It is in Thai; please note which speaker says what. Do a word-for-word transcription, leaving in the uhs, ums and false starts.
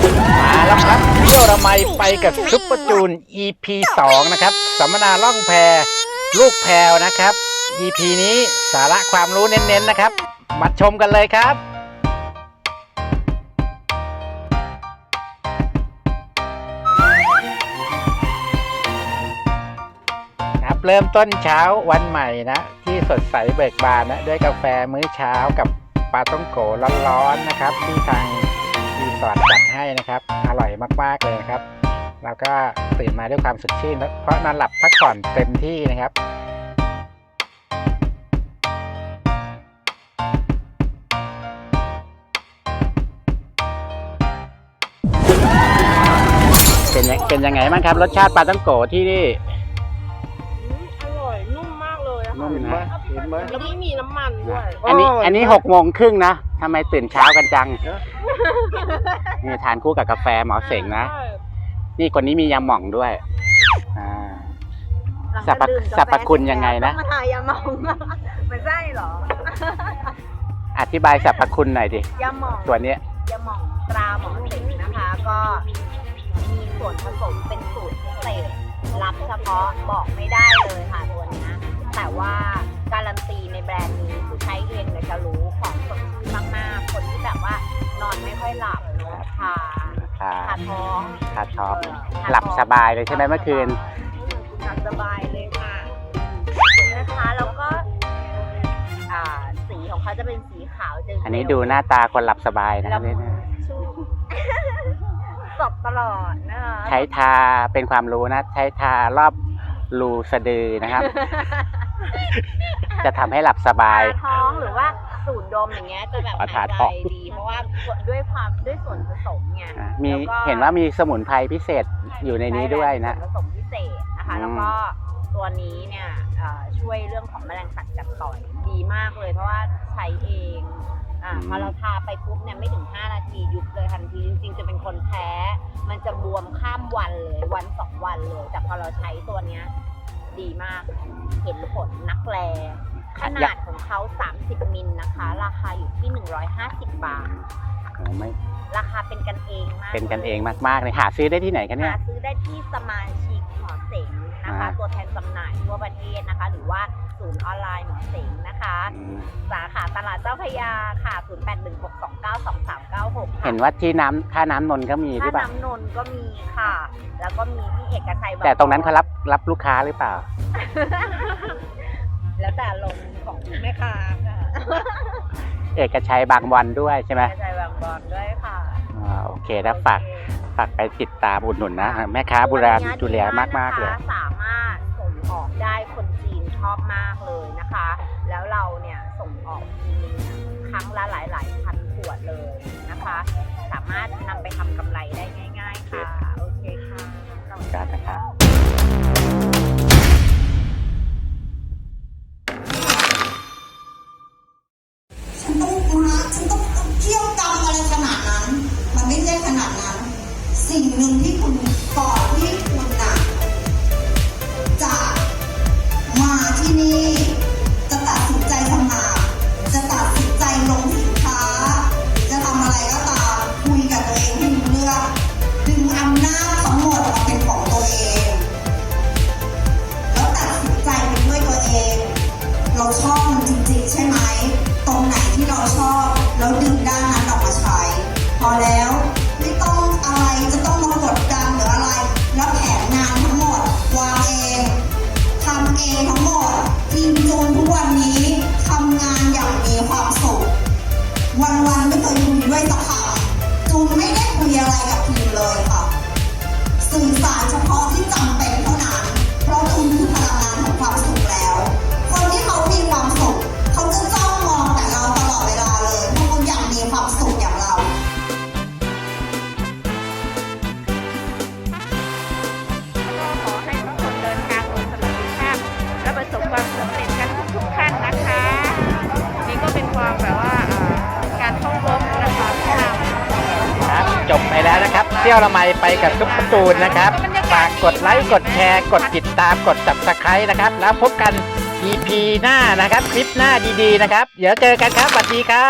Speaker 1: มาแล้วครับเที่ยวระไมไปกับซุปเปอร์จูน อี พี สองนะครับสัมมนาล่องแพลูกแพรวนะครับ อี พี นี้สาระความรู้เน้นๆนะครับมาชมกันเลยครับครับเริ่มต้นเช้าวันใหม่นะที่สดใสเบิกบานนะด้วยกาแฟมื้อเช้ากับปลาท่องโกร้อนๆนะครับที่ทางรีสอร์ทจัดให้นะครับอร่อยมากๆเลยครับแล้วก็ตื่นมาด้วยความสดชื่นเพราะนอนหลับพักผ่อนเต็มที่นะครับเป็นยังเป็นยังไงบ้างครับรสชาติปลาท่องโกที่นี่
Speaker 2: อร่อยนุ่มมากเลยอะค่ะ
Speaker 1: นุ่มนะเห็นไหม
Speaker 2: แล้วไม่มีน้ำมันด้วย
Speaker 1: อันนี้อันนี้หกโมงครึ่งนะทำไมตื่นเช้ากันจังนี่ทานคู่กับกาแฟหมอเสงนะนี่คนนี้มียาหม่องด้วยอ่าสรรพสรรพคุณยังไงนะ
Speaker 2: มาทายาหม่องมันใช่เหรอ
Speaker 1: อธิบายสรรพคุณหน่อยดิ
Speaker 2: ยาหม่อง
Speaker 1: ตัวนี้
Speaker 2: ยาหม่องตราหมอเสงนะคะก็มีส่วนผสมเป็นสูตรพิเศษลับเฉพาะบอกไม่ได้เลยค่ะตัวนี้แต่ว่าการันตีในแบรนด์นี้คือใช้เองเลยจะรู้ของสดชื่นมากๆคนที่แบบว่านอนไม่ค่อยหลับเนาะทาทาท้อง
Speaker 1: ทาท้องหลับสบายเลยใช่ไหมเมื่อคืน
Speaker 2: หลับสบายเลยค่ะนะคะแล้วก็อ่าสีของเขาจะเป็นสีขาวเจอ
Speaker 1: อันนี้ดูหน้าตาคนหลับสบายนะครับนี่
Speaker 2: สดตลอดนะคะ
Speaker 1: ใช้ทาเป็นความรู้นะใช้ทารอบรูสะดือนะครับจะทำให้หลับสบาย
Speaker 2: ท้องหรือว่าสูดดมอย่างเงี้ยจะแบบหายใจดีเพราะว่าด้วยความด้วยส่วนผสมไง
Speaker 1: มีเห็นว่ามีสมุนไพรพิเศษอยู่ในนี้ด้วยนะ
Speaker 2: ผสมพิเศษนะคะแล้วก็ตัวนี้เนี่ยช่วยเรื่องของแมลงสัตว์กัดต่อยดีมากเลยเพราะว่าใช้เองอ่าพอเราทาไปปุ๊บเนี่ยไม่ถึงห้านาทียุบเลยทันทีจริงๆจะเป็นคนแพ้มันจะบวมข้ามวันเลยวันสองวันเลยแต่พอเราใช้ตัวเนี้ยดีมากเห็นผลนักแลขนาดของเขาสามสิบมิลนะคะราคาอยู่ที่หนึ่งร้อยห้าสิบบาท
Speaker 1: โอ้ไม่
Speaker 2: ราคาเป็นกันเองมาก
Speaker 1: เป็นกันเองมากๆเลยหาซื้อได้ที่ไหนกันเนี่ย
Speaker 2: หาซื้อได้ที่สมาชิกหมอเสงนะคะตัวแทนจำหน่ายทั่วประเทศนะคะหรือว่าศูนย์ออนไลน์หมอเสงนะคะสาขาตลาดเจ้าพระยาค่ะศูนย์ แปด หนึ่ง หก สอง เก้า สอง สาม เก้า หก
Speaker 1: เห็นว่าที่น้ำท่าน้ำนนท์ก็มีหรือเปล่า
Speaker 2: ท่าน้ำนนท์ก็มีค่ะแล้วก็มีที่เอกชัย
Speaker 1: แต่ตรงนั้นเขารับรับลูกค้าหรือเปล่า
Speaker 2: แล้วแต่ลงของแม่ค้าค่ะ
Speaker 1: เอกชัยบางบอนด้วยใช่ไหม
Speaker 2: เอกชัยบางบอนด้วยค่ะ
Speaker 1: อ่าโอเคแล้วฝากฝากไปติดตามอุดหนุนนะแม่ค้าโบราณดูแลมากๆเลย
Speaker 2: สามารถส่งออกได้คนจีนชอบมากเลยนะคะแล้วเราเนี่ยส่งออกทีนึงครั้งละหลายๆพันขวดเลยนะคะสามารถนำไปทำกำไรได้ง่ายๆค่ะโอเคค่ะขอบคุณ
Speaker 1: นะครับ
Speaker 3: ฉันต้องมาฉันต้องเที่ยวกรรมอะไรขนาดนั้นมันไม่ใช่ขนาดนั้นสิ่งหนึ่งที่คุณก่อนที่คุณน่ะจะมาที่นี่จะตัดสินใจทำงานจะตัดสินใจลงสินค้าจะทำอะไรก็ตามคุยกับตัวเองให้รู้เรื่องดึงอำนาจทั้งหมดมาเป็นของตัวเองแล้วตัดสินใจเป็นด้วยตัวเองเราชอบมันจริงๆใช่ไหมตรงไหนที่เราชอบแล้วดึงด้านนั้นออกมาใช้พอแล้วไม่ต้องอะไรจะต้องมากดดันหรืออะไรแล้วแผนงานทั้งหมดวางเองทำเองทั้งหมดทีมจูนทุกวันนี้ทำงานอย่างมีความสุขวันๆไม่เคยคุยด้วยสักคำจูนไม่ได้คุยอะไรกับทีมเลยค่ะสื่อสารเฉพาะที่จำเป็นเท่านั้นเพราะจูนคือพลังงานของความสุขแล้วคนที่เขามีความสุขเขาจะจ้องมองแต่เราตลอดเวลาเลยเพราะเขาอยากมีความสุขอย่างเรา
Speaker 2: ขอให้ทุกคนเดินทางโดยสวัสดิภาพและประสบความสำเร็จกันทุกๆขั้นนะคะนี่ก็เป็นความแบบว่าการท่องรบนะคะ
Speaker 1: ครับจบไปแล้วนะครับเที่ยวละไมไปกับซุปเปอร์จูนนะครับฝากกดไลค์กดแชร์กดติดตามกด ซับสไครบ์ นะครับแล้วพบกัน อี พี หน้านะครับคลิปหน้าดีๆนะครับเดี๋ยวเจอกันครับสวัสดีครับ